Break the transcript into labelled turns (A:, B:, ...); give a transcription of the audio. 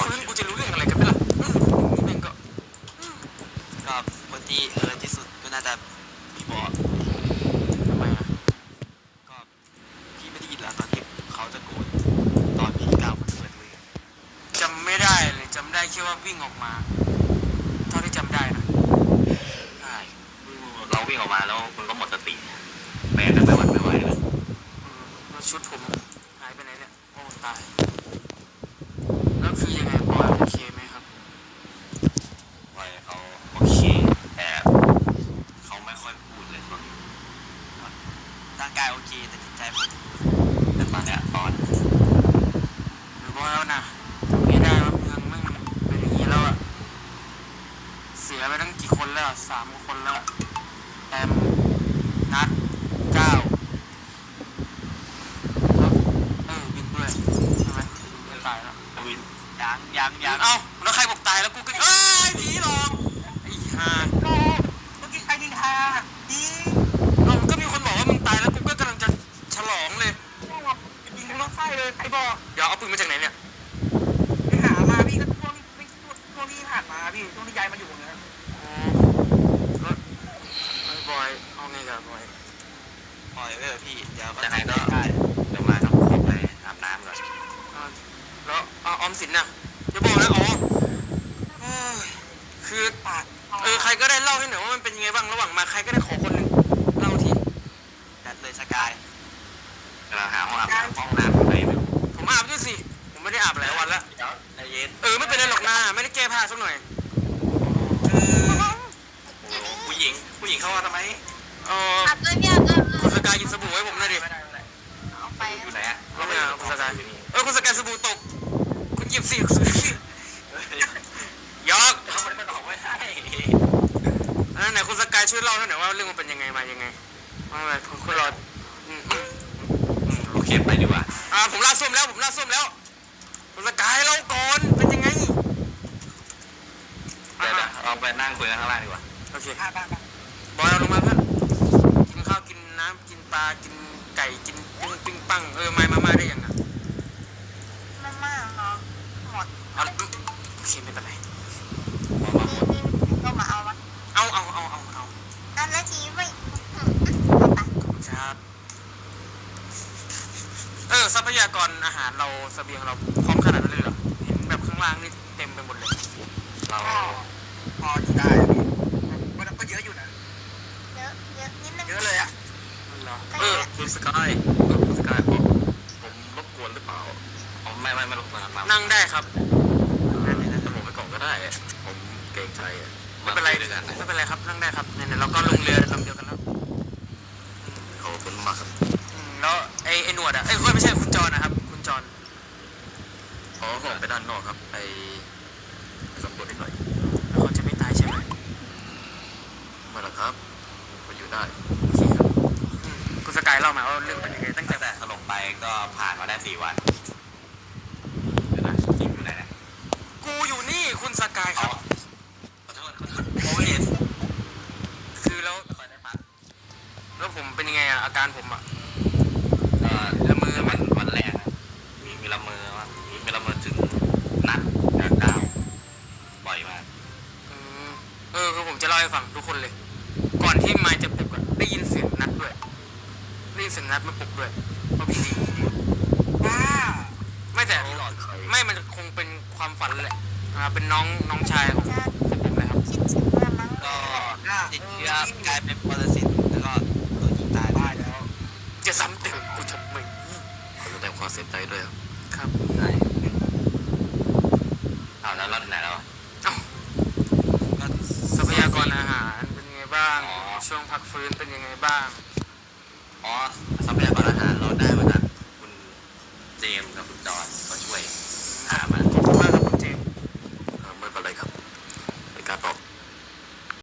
A: ฟื้นกูจะรู้เรื่องอะไรกันไหมล่ะนี่แม่งก็
B: คนที่ที่สุดก็น่าจะพี่บอส
A: ทำไมอ่ะ
B: ก็พี่ไม่ได้ยินแล้วตอนที่เขาจะโกนตอนพี่ก้าวเปิดมือ
A: จำไม่ได้เลยจำได้แค่ว่าวิ่งออกมาเท่าที่จำได้นะ
B: ใช่เราวิ่งออกมาแล้วคุณก็หมดสติแบกกันไม่หวั่นไม่ไหวเลย
A: แล้วชุดผมหายไปไหนเนี่ยโอ้ตายแล้วคือยังไงบอยโอเคไหมครับ
B: บอยเขาโอเคแต่เขาไม่ค่อยพูดเลยร่างกายโอเคแต่จิตใจผมแต่ตอนเนี้ยตอน
A: หรือว่าแล้วนะจำไม่ได้ว่าเมืองมันเป็นอย่างนี้แล้วอะเสียไปตั้งกี่คนแล้ว3 คนแล้วแอมนัดก้าวบินด้วยใช่ไหมบินตายแล้ว
B: วินยัง
A: เอ้าแล้วใครบอกตายแล้วกูก็ผีหลอกไอ้ห่า
B: เมื่อกี้ใครยิงฮาดี
A: ก็มีคนบอกว่ามึงตายแล้วกูก็กำลังจะฉลองเลย
B: ยิงทั้งรถไฟเลยใครบอก
A: เดี๋ยวเอาปืนมาจากไหนเนี่ย
B: ไปหามาพี่ก็ช่วงที่ผ่านมาพี่ช่วงที่ย้ายมาอยู่ตรงนี้
A: แล้วบอยเอาไงกับบอย
B: พี่เดี๋ยวยังไงก็เดี๋ยวมาต้องขอไปอาบน้ำก่อน
A: แล้วออมสินน่ะจะบอกนะคือใครก็ได้เล่าให้หน่อยว่ามันเป็นยังไงบ้างระหว่างมาใครก็ได้ขอคนหนึ่งเล่าที
B: จัดเลยสกายเราหาห้องน้ำไป
A: ผมอาบด้วยสิผมไม่ได้อาบหลายวันแล้ว
B: ใจเย็น
A: ไม่เป็นไรหรอกนะไม่ได้แก้ผ้าสักหน่อย
B: ผู้หญิงเข้ามาทำไม
C: อาบด้วยพี่อาบด้วย
A: คุณสกายกินสบู่ให้ผมหน่อยดิ
C: เอาไป
B: อยู่ไหนอ่ะ
A: ก็ไม่เอาคุณสกายคุณสกายสบู่ตกคุณหยิบสิยอก
B: เขาไม่ได้บอกไม่ให้
A: ไหนคุณสกายช่วยเล่าหน่อยว่าเรื่องมันเป็นยังไงมายังไงอะไรคุณรอ
B: โอเคไปดีกว่า
A: ผมลาส้มแล้วคุณสกายเล่าก่อนเป็นยังไง
B: เดี๋ยวเราไปนั่งคุยกันข้างล่างดีกว่า
A: โอเคบอยเอาลงมาเพื่อนกินข้าวกินน้ำกินปลากินไก่กินปิ้งปังมาได้ยังไง
C: มาเนาะหมด
A: โอเคไม่เป็นไร
C: ก็มาเอาวะ
A: เอา
C: แล้วทีไม่
A: ครับทรัพยากรอาหารเราเสบียงเราพร้อมขนาดนั้นเลยเหรอเห็นแบบข้างล่างนี่เต็มไปหมดเลย
B: เราพอจะได้มันก็เยอะอยู่นะ
C: เยอะนิดนึง
B: เยอะเลยอ่ะคุณสกายผมรบกวนหรือเปล่าไม่รบกวน
A: นั่งได้ครับ
B: แต่ผมไปก่อนก็ได้ผมเกรงใจ
A: ไม่เป็นไรครับนั่งได้ครับเนี่ยเราก็ลงเรือลำเดียวกันแล้ว
B: ขอบคุณมากครับ
A: แล้วไอ้หนวดไม่ใช่คุณจรนะครับคุณจร
B: ผมไปด้านนอกครับไปสำรวจนิดหน่อย
A: แล้วเขาจะไม่ตายใช่ไหม
B: ไม่หรอกครับก็อยู่ได้
A: โอเคครับคุณสกายเล่ามาว่าเรื่องเป็นยังไงตั้งแต่
B: สลบไปก็ผ่านมาได้4 วันจิมอยู่ไหน
A: กูอยู่นี่คุณสกายครับ
B: ขอโทษโอเวอร์
A: คือแล้วผมเป็นยังไงอาการผม
B: ละมือวันแรกมีละมือถึงนัดดาวบ่อยมาก
A: คือผมจะเล่าให้ฟังทุกคนเลยก่อนที่ไมค์จะปลุกได้ยินเสียงนัดด้วยได้ยินเสียงนัดมาปลุกด้วยเพราะพี่ดีไม่แต่ไม่มันคงเป็นความฝันแหละเป็นน้องชายของผมเลยครับ
C: คิดถึงมามั้ง
B: ก็ติดเชื้อกลายเป็นปรสิตแล้วก็โดนยิงตายได้แล้ว
A: จะซ้ำเติมกูทำไม
B: ขอแสดงความเสียใจด้วย
A: ครับ
B: ได้แล้วเราไหนแล้ว
A: ทรัพยากรอาหารเป็นยังไงบ้างช่วงพักฟื้นเป็นยังไงบ้าง
B: ทรัพยากรอาหารเรา